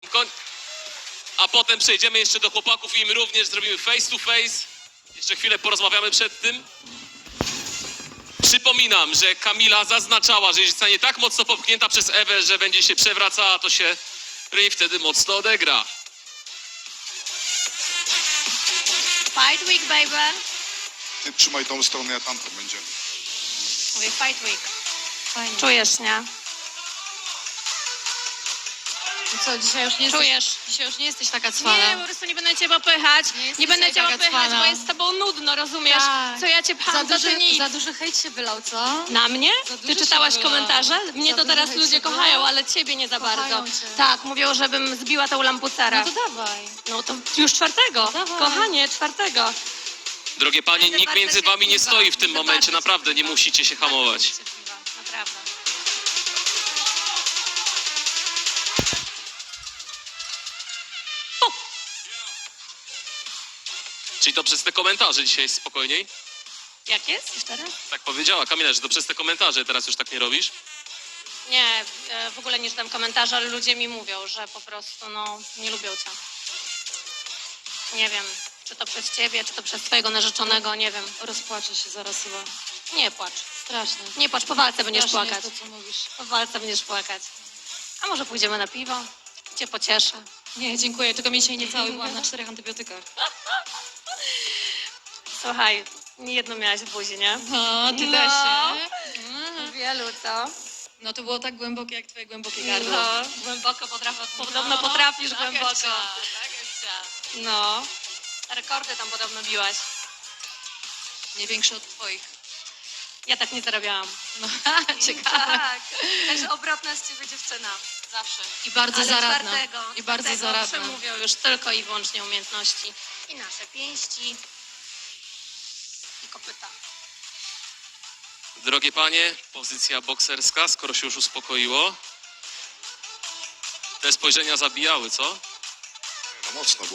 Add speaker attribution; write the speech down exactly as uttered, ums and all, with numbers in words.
Speaker 1: Koń... A potem przejdziemy jeszcze do chłopaków i im również zrobimy face to face. Jeszcze chwilę porozmawiamy przed tym. Przypominam, że Kamila zaznaczała, że jeśli zostanie tak mocno popchnięta przez Ewę, że będzie się przewracała, to się Ray wtedy mocno odegra.
Speaker 2: Fight week, baby.
Speaker 3: Ty trzymaj tą stronę, ja tamtą będzie.
Speaker 2: Mówię fight week.
Speaker 4: Fajnie.
Speaker 2: Czujesz, nie?
Speaker 4: No co, dzisiaj już nie jesteś,
Speaker 2: Czujesz?
Speaker 4: dzisiaj już nie jesteś taka cwana.
Speaker 2: Nie, po prostu nie będę cię popychać.
Speaker 4: Nie
Speaker 2: Nie,
Speaker 4: jesteś
Speaker 2: będę cię
Speaker 4: taka
Speaker 2: popychać,
Speaker 4: cwana.
Speaker 2: bo jest z tobą nudno, rozumiesz?
Speaker 4: Tak.
Speaker 2: Co ja cię
Speaker 4: Za
Speaker 2: pcham, to ty
Speaker 4: duży,
Speaker 2: nic.
Speaker 4: za duży hejt się wylał, co?
Speaker 2: Na mnie?
Speaker 4: Za dużo
Speaker 2: Ty
Speaker 4: się
Speaker 2: czytałaś
Speaker 4: wylało.
Speaker 2: komentarze? Mnie
Speaker 4: Za
Speaker 2: to
Speaker 4: dużo
Speaker 2: teraz
Speaker 4: hejt
Speaker 2: ludzie
Speaker 4: się
Speaker 2: kochają,
Speaker 4: wylało.
Speaker 2: ale ciebie nie za
Speaker 4: Kochają
Speaker 2: bardzo.
Speaker 4: cię.
Speaker 2: Tak, mówią, żebym zbiła tą lampucerę.
Speaker 4: No to dawaj.
Speaker 2: No to już czwartego.
Speaker 4: Dawaj.
Speaker 2: Kochanie, czwartego.
Speaker 1: Drogie panie,
Speaker 2: Będę
Speaker 1: nikt
Speaker 2: bardzo
Speaker 1: między wami nie
Speaker 2: cierpliwa.
Speaker 1: stoi w tym
Speaker 2: Będę
Speaker 1: momencie,
Speaker 2: bardzo
Speaker 1: naprawdę, nie
Speaker 2: cierpliwa.
Speaker 1: musicie się hamować.
Speaker 2: Bardzo cierpliwa, naprawdę.
Speaker 1: Czyli to przez te komentarze dzisiaj jest spokojniej?
Speaker 2: Jak jest? Jeszcze raz?
Speaker 1: Tak powiedziała Kamila, że to przez te komentarze teraz już tak nie robisz?
Speaker 2: Nie, e, w ogóle nie czytam komentarzy, ale ludzie mi mówią, że po prostu, no, nie lubią cię. Nie wiem, czy to przez ciebie, czy to przez twojego narzeczonego, nie wiem.
Speaker 4: Rozpłaczę się zaraz chyba.
Speaker 2: Nie płacz.
Speaker 4: Strasznie.
Speaker 2: Nie płacz, po walce będziesz
Speaker 4: Strasznie
Speaker 2: płakać.
Speaker 4: jest to, co mówisz.
Speaker 2: Po walce będziesz płakać. A może pójdziemy na piwo? Cię pocieszę.
Speaker 4: Nie, dziękuję, tylko mnie dzisiaj nie cały, byłam na czterech antybiotykach.
Speaker 2: Słuchaj, nie jedno miałaś w buzi, nie?
Speaker 4: No, ty
Speaker 2: No.
Speaker 4: też, nie? Mhm.
Speaker 2: Wielu, co?
Speaker 4: No to było tak głębokie, jak twoje głębokie gardło.
Speaker 2: No, głęboko potrafisz, podobno potrafisz
Speaker 4: tak
Speaker 2: głęboko.
Speaker 4: jest, tak jest.
Speaker 2: No, rekordy tam podobno biłaś.
Speaker 4: Nie większe od twoich.
Speaker 2: Ja tak nie zarabiałam.
Speaker 4: No, ciekawe.
Speaker 2: Tak, także obrotna z ciebie dziewczyna. Zawsze.
Speaker 4: I bardzo
Speaker 2: Ale
Speaker 4: zaradna.
Speaker 2: czwartego,
Speaker 4: I bardzo
Speaker 2: czwartego
Speaker 4: zaradna.
Speaker 2: przemówią już tylko i wyłącznie umiejętności. I nasze pięści. I kopyta.
Speaker 1: Drogie panie, pozycja bokserska, skoro się już uspokoiło. Te spojrzenia zabijały, co?
Speaker 3: No mocno, bo